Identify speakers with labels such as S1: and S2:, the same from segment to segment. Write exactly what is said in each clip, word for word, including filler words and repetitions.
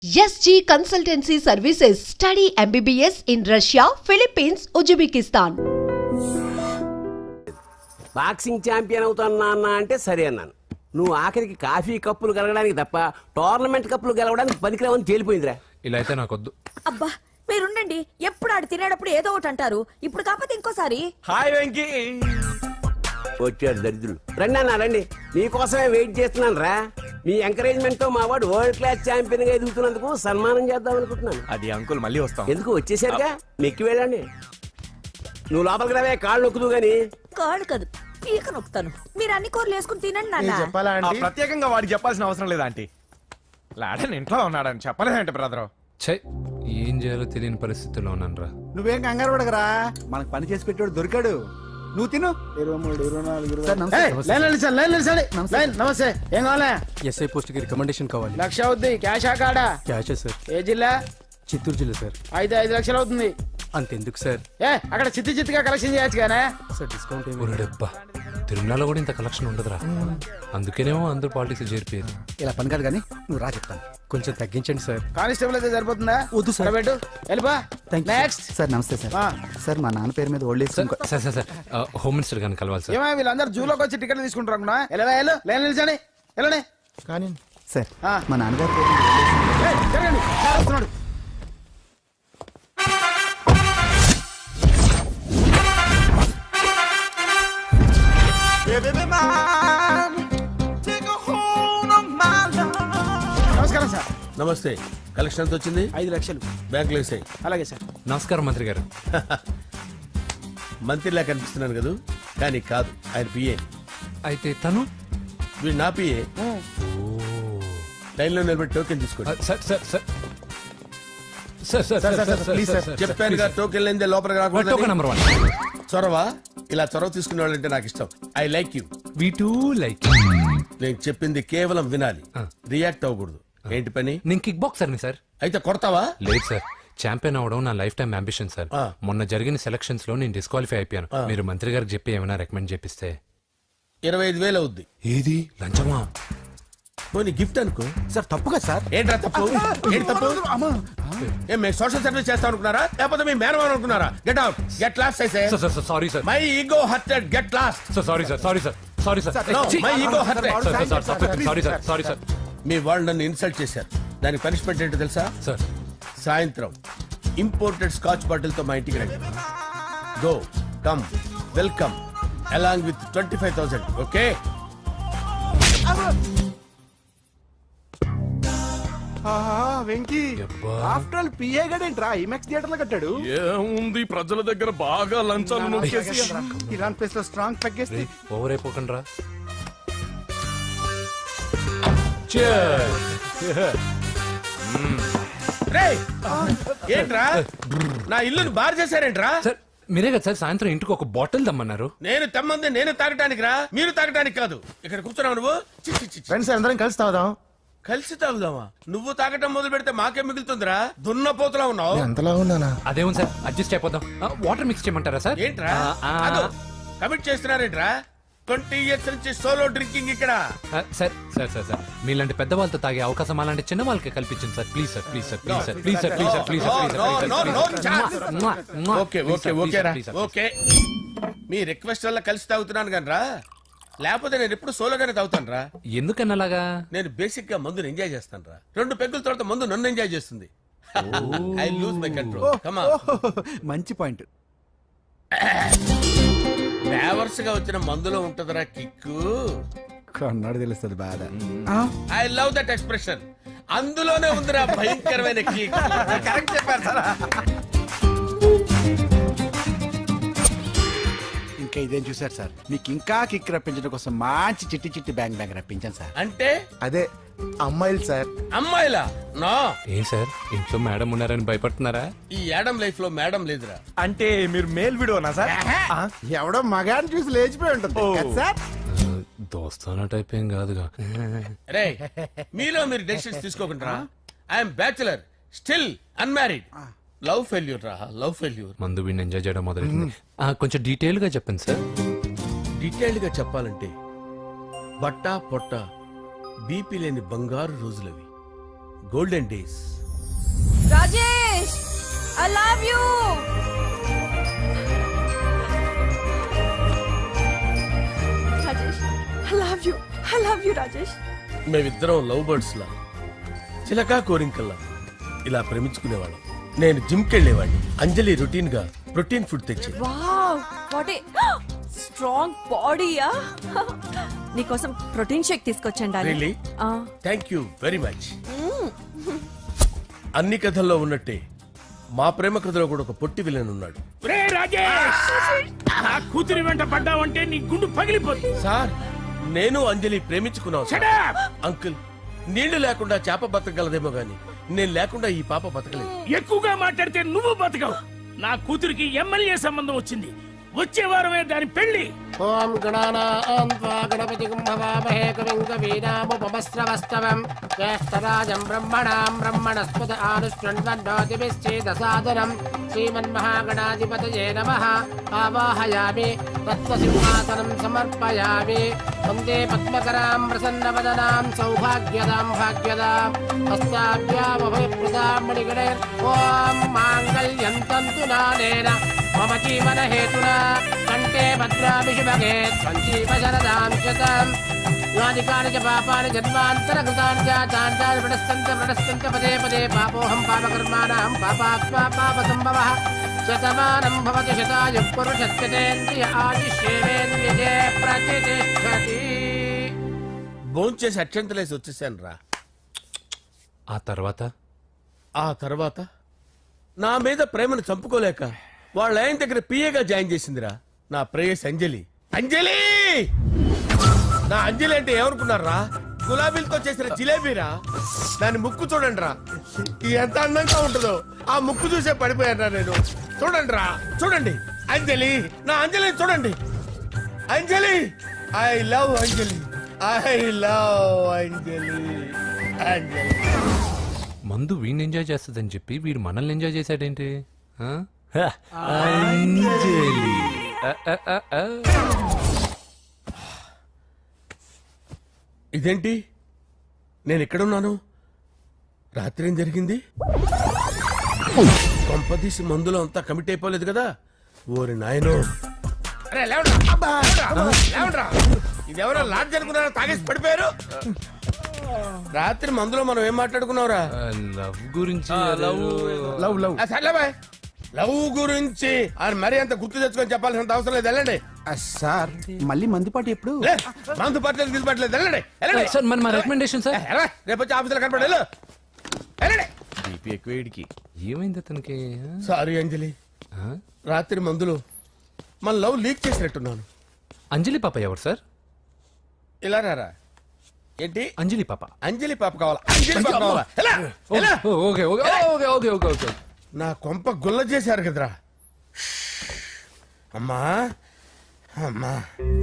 S1: S G Consultancy Services. Study M B B S in Russia, Philippines, Uzbekistan.
S2: Boxing champion అవుతాను అన్న అంటే సరే అన్నాను. నువ్వు ఆఖరికి కాఫీ కప్పులు గెలవడానికి తప్ప టోర్నమెంట్ కప్పులు గెలవడానికి పనికిరావని తేలిపోయిందిరా.
S3: ఇలా అయితే నాకొద్దు.
S4: అబ్బా మీరుండండి, ఎప్పుడు ఆడు తినేటప్పుడు ఏదో ఒకటి అంటారు. ఇప్పుడు కాకపోతే ఇంకోసారి.
S3: హాయ్ వెంకీ.
S2: వచ్చాడు దరిద్రులు. రండి అన్న రండి, మీకోసమే వెయిట్ చేస్తున్నాను రా. మీ ఎంకరేజ్మెంట్ తో మా వాడు వరల్డ్ క్లాస్ ఛాంపియన్ గా ఎదుగుతున్నందుకు సన్మానం చేద్దాం అనుకుంటున్నాను.
S3: అది అంకుల్ మళ్ళీ వస్తాం.
S2: ఎందుకు వచ్చేసరిగా మెక్కి వెళ్ళండి. నువ్వు లోపలికి రావే, కాళ్ళు నొక్కుదు గాని.
S4: కాళ్ళు కాదు, పీక నొక్కుతాను. మీరు అన్ని కూరలు వేసుకుని తినండి నాన్న.
S5: చెప్పాలా
S3: ఆ, ప్రత్యేకంగా వాడికి చెప్పాల్సిన అవసరం లేదా ఆంటీ? లాడన్ ఇంట్లో ఉన్నాడని చెప్పలేదంటే బ్రదరు.
S6: ఛై, ఏం చేయాలో తెలియని పరిస్థితుల్లో ఉన్నాను రా.
S5: నువ్వేం కంగారు పడకరా, మనకు పని చేసి పెట్టాడు దొరికాడు. నువ్వు తిను. ఇరవై మూడు ఇరవై నాలుగు నమస్తే. ఏం కావాలా?
S7: ఎస్ఐ పోస్ట్ కి రికమెండేషన్ కావాలి.
S5: లక్ష అవుద్ది. క్యాష్ ఆ కాడా?
S7: క్యాషే సార్.
S5: ఏ జిల్లా?
S7: చిత్తూరు జిల్లా సార్.
S5: ఐదు ఐదు లక్షలు అవుతుంది.
S7: అంతెందుకు సార్?
S5: ఏ అక్కడ చిత్తి చిత్తిగా కలెక్షన్ చేయొచ్చు కానీ
S7: సార్ డిస్కౌంట్ ఏమి?
S6: ఒరేడబ్బా, తిరుమలలో కూడా ఇంత కలెక్షన్ ఉండదురా. అందుకేనేమో అందరూ పాలిటిక్స్ చేరిపోయారు.
S7: ఇలా పని కాదు కానీ నువ్వు రా చెప్తాను. కొంచెం తగ్గించండి సార్.
S5: కానిస్టేబుల్ అయితే సరిపోతుందా?
S7: వద్దు సార్.
S5: పెట్టు వెళ్ళిపా. నెక్స్ట్
S7: సార్ నమస్తే సార్. సార్ మా నాన్న పేరు మీద old age
S6: sir sir sir sir home minister గారిని కలవాలి సార్.
S5: ఏమో వీళ్ళందరూ జూలోకి వచ్చి టికెట్లు తీసుకుంటారు అనుకున్నా. వెళ్ళవా వెళ్ళు, లైన్ నిలిచండి వెళ్ళండి.
S7: కానీ సార్
S5: ఆ.
S7: మా నాన్నగారి పేరు మీద old age
S5: ఏయ్, జరగండి. సార్ వస్తున్నాడు. నమస్కారం సార్.
S8: నమస్తే. కలెక్షన్ ఎంత వచ్చింది?
S5: ఐదు లక్షలు.
S8: బ్యాంకులో వేసాయి.
S5: అలాగే సార్.
S6: నమస్కారం మంత్రి గారు.
S8: మంత్రిలా కనిపిస్తున్నాను కదా, కానీ కాదు, ఆయన పిఏ.
S6: అయితే తను
S8: వీడు నా పిఏ. లైన్లో నిలబెట్టి టోకెన్ తీసుకోండి.
S6: Sir sir sir sir sir sir sir sir
S7: please sir.
S8: చెప్పాను కదా, టోకెన్ లేదే లోపలికి
S6: టోకెన్
S8: రాకూడదు.
S6: Number one.
S8: చొరవ, ఇలా చొరవ తీసుకునే వాళ్ళంటే నాకు ఇష్టం. I like you.
S6: We too like.
S8: నేను చెప్పింది కేవలం వినాలి, రియాక్ట్ అవ్వకూడదు. ఏంటి పని?
S6: నేను కిక్ బాక్సర్ని సార్.
S8: అయితే కొడతావా?
S6: లేదు సార్, ఛాంపియన్ అవడం నా లైఫ్ టైం అంబిషన్ సార్.
S8: ఆ.
S6: మొన్న జరిగిన సెలక్షన్స్ లో నేను డిస్క్వాలిఫై అయిపోయాను.
S8: ఆ.
S6: మీరు మంత్రి గారికి చెప్పి ఏమైనా రికమెండ్ చేపిస్తే.
S8: ఇరవై ఐదు వేలు అవుద్ది.
S6: ఏది లంచమా?
S8: పోనీ గిఫ్ట్ అనుకో.
S7: సార్ తప్పుగా సార్.
S8: ఏంట్రా తప్పు? ఏంటి తప్పు? ఏం మేము సోషల్ సర్వీస్ చేస్తాం అనుకున్నారా, లేకపోతే మీ మేనమాన్ అనుకున్నారా? Get out, get lost. అయితే
S6: sir sir sorry sir.
S8: My ego hurted, get lost.
S6: Sir sorry sir sorry sir sorry sir
S8: No, my ego hurt.
S6: Sorry sir sorry sir
S8: మీ వాళ్ళు నన్ను ఇన్సల్ట్ చేశారు. దానికి పనిష్మెంట్ ఏంటో తెలుసా?
S6: సార్.
S8: సాయంత్రం imported scotch bottle తో మా ఇంటికి రండి. Go come welcome along with twenty five thousand. Okay?
S5: Venky
S6: యబ్బా.
S5: ఆఫ్టర్ ఆల్ పిఏ గడేంట్రా ఇమెక్స్ థియేటర్ లో కట్టాడు.
S3: ఏముంది, ప్రజల దగ్గర బాగా లంచాలు నొక్కేసి
S5: ఇరాన్ ప్లేస్ లో స్ట్రాంగ్ తగ్గేస్తే
S6: ఓవర్ అయిపోకండి రా.
S8: రేయ్, ఏంట్రా నా ఇల్లుని బార్ చేశారేంట్రా?
S6: సార్ మీరే కదా సార్ సాయంత్రం ఇంటికి ఒక బాటిల్ దమ్మన్నారు.
S8: నేను తెమ్మంది నేను తాగటానికి రా, మీరు తాగటానికి కాదు. ఇక్కడ కూర్చున్నావు నువ్వు. చి, చి, చి, చి.
S5: ఫ్రెండ్స్ అందరం కలిసి తాగుదాం.
S8: కలిసి తాగుదామా? నువ్వు తాగటం మొదలు పెడితే మాకే మిగులుతుందిరా. దున్నపోతులా ఉన్నావు.
S5: ఎంతలా ఉన్నానా?
S6: అదేమో సార్ అడ్జస్ట్ అయిపోదాం. వాటర్ మిక్స్ చేయమంటారా సార్?
S8: ఏంట్రా
S6: ఆ, ఆ,
S8: కమిట్ చేస్తున్నారేంట్రా? ట్వంటీ ఇయర్స్ నుంచి సోలో డ్రింకింగ్ ఇక్కడ.
S6: ఆ, సార్ సార్ సార్ సార్ మీలాంటి పెద్ద వాళ్ళతో తాగే అవకాశం అలాంటి చిన్న వాళ్ళకి కల్పించండి sir. Please sir please sir please sir please sir please sir please
S8: No, no, no, no, no,
S6: sir
S8: okay okay okay రా ఓకే. మీ రిక్వెస్ట్ వల్ల కలిసి తాగుతున్నాను కానీ రా, లేకపోతే నేను ఎప్పుడు సోలోగానే తాగుతాను రా.
S6: ఎందుకన్నా అలాగా?
S8: నేను బేసిక్ గా మందుని ఎంజాయ్ చేస్తాను రా. రెండు పెగ్గుల తర్వాత మందు నన్ను ఎంజాయ్ చేస్తుంది. I lose my control. Come on.
S7: మంచి పాయింట్.
S8: ఫ్లేవర్స్ గా వచ్చిన మందులో ఉంటదిరా కిక్కు.
S7: కన్నాడు తెలుస్తుంది బాధ.
S8: I love that expression. అందులోనే ఉందిరా భయంకరమైన కిక్. కరెక్ట్ చెప్పారు సార్.
S5: ఇంకా ఇదేం చూసారు సార్, మీకు ఇంకా కిక్ రప్పించడం కోసం మంచి చిట్టి చిట్టి బ్యాంగ్ బ్యాంగ్ రప్పించాను సార్.
S8: అంటే
S5: అదే అమ్మాయిలు సార్.
S8: అమ్మాయిలా? నో.
S6: ఏం సార్ ఇంట్లో మేడం ఉన్నారని భయపడుతున్నారా?
S8: ఈ యాడమ్ లైఫ్ లో మేడం లేదురా.
S3: అంటే మీరు మేల్ వీడియోనా సార్?
S5: ఎవడో మగాన్ని చూసి లేచిపోయి ఉంటుంది కదా సార్.
S6: దోస్తానా టైప్ ఏం కాదుగా.
S8: రే, మీలో మీరు డెసిషన్స్ తీసుకోకుండా. I'm bachelor, still unmarried. Love failure రా, లవ్ ఫెయిల్యూర్.
S6: మందు వీడిని ఎంజాయ్ చేయడం మొదలైంది. కొంచెం డీటెయిల్ గా చెప్పండి సార్.
S8: డీటెయిల్డ్ గా చెప్పాలంటే బట్టా పొట్ట బీపీ లేని బంగారు రోజులవి. Golden days.
S4: Rajesh I love you. Rajesh I love you I love you Rajesh.
S8: మేమిద్దరం లవ్ బర్డ్స్ లా, చిలకా కోరింకల్లా ఇలా ప్రేమించుకునేవాళ్ళం. నేను జిమ్ కెళ్ళేవాడిని, అంజలి రొటీన్ గా ప్రోటీన్ ఫుడ్ తెచ్చేది.
S4: వావ్ వాట్ ఏ స్ట్రాంగ్ బాడీయా. నీకోసం ప్రోటీన్ షేక్ తీసుకొచ్చండి.
S8: Really? Thank you very much. అన్ని కథల్లో ఉన్నట్టే మా ప్రేమ కథలో కూడా ఒక పొట్టి విలన్ ఉన్నాడు.
S9: కూతురి వెంట పడ్డావంటే నీ గుండు పగిలిపోతుంది.
S8: సార్ నేను అంజలి ప్రేమించుకున్నాను సార్. అంకుల్, నీళ్లు లేకుండా చేప బతకగలదేమో గాని నేను లేకుండా ఈ పాప బతకలేదు.
S9: ఎక్కువగా మాట్లాడితే నువ్వు బతకవు. నా కూతురికి ఎమ్మెల్యే సంబంధం వచ్చింది. వచ్చే వారమే దాని పెళ్లి.
S2: ఓం గణానాం త్వా గణపతిం భవామహే కవిం కవీనాముపమస్రవస్తవం జ్యేష్ఠరాజం బ్రహ్మణాం బ్రహ్మణస్పద ఆనుష్ఠ్వన్నోతిభిశ్చేదసాదనం శ్రీమన్మహాగణాధిపతయే నమః. ఆవాహయామి తత్వసింహాసనం సమర్పయామి. వందే పద్మకరాం ప్రసన్నవదనాం సౌభాగ్యదాం భాగ్యదాం హస్తాభ్యామభయప్రదాం మణిగణే. ఓం మాంగళ్యం తంతు నానేన మమ జీవన హేతునా కంటే భద్రామి శుభగే సంజీవ శరదాం శతం. యానికాని చ పాపాని జన్మాంతరకృతాని చ తాని ప్రణశ్యంత ప్రణశ్యంత పదే పదే పాపోహం పాపకర్మాణం పాపాత్మా పాపసంభవః. శతమానం భవతి శతాయుః పురుషస్యతేంద్రియ ఆయుష్యేవేంద్రియే ప్రతిష్ఠతి.
S8: భోంచేసి అక్షంతలేసి వచ్చేసాను రా.
S6: ఆ తర్వాత
S8: ఆ తర్వాత నా మీద ప్రేమను చంపుకోలేక వాళ్ళ ఆయన దగ్గర పిఏగా జాయిన్ చేసిందిరా నా ప్రేయస్ అంజలి. అంజలి నా అంజలి అంటే ఏమనుకున్నారా? గులాబీలతో చేసిన జిలేబీరా. దాని ముక్కు చూడండి రా, ఎంత అందంగా ఉంటుందో. ఆ ముక్కు చూసే పడిపోయారా నేను. చూడండి రా, చూడండి అంజలి, నా అంజలిని చూడండి. Anjali, I love Anjali, I love Anjali. Anjali
S6: మందు వీడిని ఎంజాయ్ చేస్తుందని చెప్పి వీడు మనల్ని ఎంజాయ్ చేశాడేంటి? ఆ? హ, అంజలి. ఆ, ఆ, ఆ, ఆ.
S8: ఇదేంటి నేను ఎక్కడున్నాను? రాత్రి ఏం జరిగింది? కొంపదీసి మందులో అంతా కమిట్ అయిపోలేదు కదా? ఓరి నాయనో. అరే లేవండ్రా. అబ్బా, లేవండ్రా. ఇదెవరో లాడ్జ్ అనుకున్నారో తాగేసి పడిపోయారు. రాత్రి మందులో మనం ఏం మాట్లాడుకున్నావురా?
S6: ఆ, లవ్ గురించి
S8: లవ్
S7: లవ్ లవ్
S8: ఆ, సర్లే బాయ్. లవ్ గురించి ఆయన మరీ అంత గుర్తు తెచ్చుకొని చెప్పాల్సినంత అవసరం లేదు. వెళ్ళండి.
S7: సార్ మళ్ళీ మందుపాటి ఎప్పుడు?
S8: లే, మందు పట్టలేదు గిల్లు పట్టలేదు. వెళ్ళండి వెళ్ళండి.
S6: సార్ మరి మా రికమెండేషన్ సార్.
S8: ఎలా? రేపు వచ్చి ఆఫీసులో కనపడి వెళ్ళు. వెళ్ళండి. బీపీ ఎక్కువ వీడికి.
S6: ఏమైంది అతనికి?
S8: సారీ అంజలి,
S6: ఆ?
S8: రాత్రి మందులో మన లవ్ లీక్ చేసినట్టున్నాను.
S6: అంజలి పాప ఎవరు సార్?
S8: ఇలా రారా. ఏంటి?
S6: అంజలి పాప.
S8: అంజలి పాప కావాలా? అంజలి పాప కావాలా? ఎలా? ఎలా?
S6: ఓ, okay okay okay okay okay okay.
S8: నా కొంప గుల్ల చేశారు కదరా. అమ్మా అమ్మా.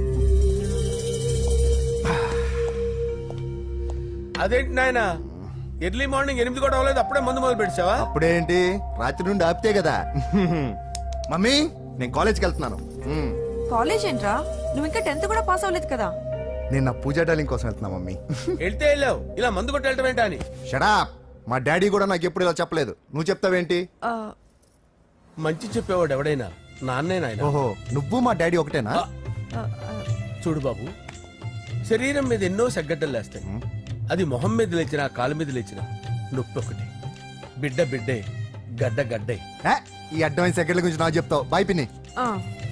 S8: అదేంటి నాయన, ఎర్లీ మార్నింగ్ ఎనిమిది కూడా అవ్వలేదు, అప్పుడే మందు మొదలు పెట్టావా?
S7: అప్పుడేంటి, రాత్రి నుండి ఆపితే కదా. మమ్మీ నేను కాలేజ్కి వెళ్తున్నాను. మ్మ్.
S4: కాలేజ్ ఏంట్రా, నువ్వు ఇంకా టెన్త్ కూడా పాస్ అవ్వలేదు కదా.
S7: నేను నా పూజా డాలింగ్ కోసం వెళ్తున్నా మమ్మీ.
S8: వెళ్తే వెళ్ళావు, ఇలా మందు కొట్టి వెళ్ళటం ఏంటా అని.
S7: షడా, మా డాడీ కూడా నాకు ఎప్పుడు ఇలా చెప్పలేదు. నువ్వు చెప్తావేంటి?
S4: ఆ,
S8: మంచి చెప్పేవాడు ఎవడైనా నాన్నే నాయన.
S7: ఓహో, నువ్వు మా డాడీ ఒకటేనా?
S4: ఆ, ఆ,
S8: చూడు బాబు, శరీరం మీద ఎన్నో సగ్గడ్డలు లేస్తాయి. అది మొహం మీద లేచినా కాలు మీద లేచినా నొప్పి ఒకటి. బిడ్డ బిడ్డే, గడ్డ గడ్డే.
S7: ఏ, ఈ అడ్వాన్స్ సెకండ్ల గురించి నాకు చెప్తావు. బాయ్ పిన్ని.
S4: ఆ.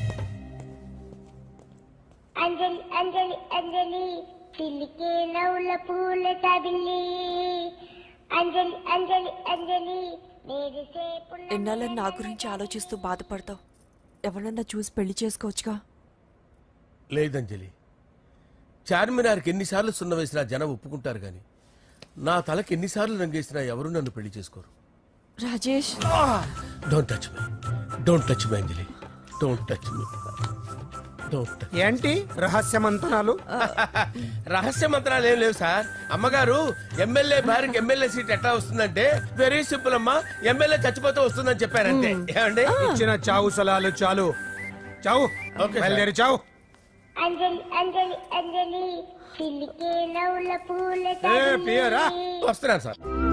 S10: అంజలి అంజలి అంజలి పిల్లికే నవ్వుల పూల తబిల్లి అంజలి అంజలి అంజలి నేరిసే పుల్ల.
S4: ఎన్నాళ్ళని నా గురించి ఆలోచిస్తూ బాధపడతావు. ఎవరన్నా చూసి పెళ్లి చేసుకోవచ్చుగా.
S8: లేదంజలి, చార్మినార్కి ఎన్నిసార్లు సున్న వేసినా జనం ఒప్పుకుంటారు గాని నా తలకి ఎన్నిసార్లు రంగేసినా ఎవరు నన్ను పెళ్లి చేసుకోరు.
S4: Rajesh
S8: don't touch me, don't touch me Anjali, don't touch me, don't.
S9: ఏంటి రహస్య మంతనాలు?
S8: రహస్య మంత్రాలు ఏం లేవు సార్. అమ్మగారు ఎమ్మెల్యే భార్యకి ఎమ్మెల్యే సీట్ ఎట్లా వస్తుందంటే వెరీ సింపుల్ అమ్మా, ఎమ్మెల్యే చచ్చిపోతే వస్తుందని చెప్పారంతే. ఏమండి?
S9: ఇచ్చిన చావు సలాలు చాలు. చావు.
S8: Okay sir.
S9: బయలుదేరి చావు.
S10: అంజలి అంజలి అంజలి పిల్లికే నవ్వుల పూల
S9: ఏ, పియరా?
S10: తబిల్లి
S8: వస్తున్నాను సార్.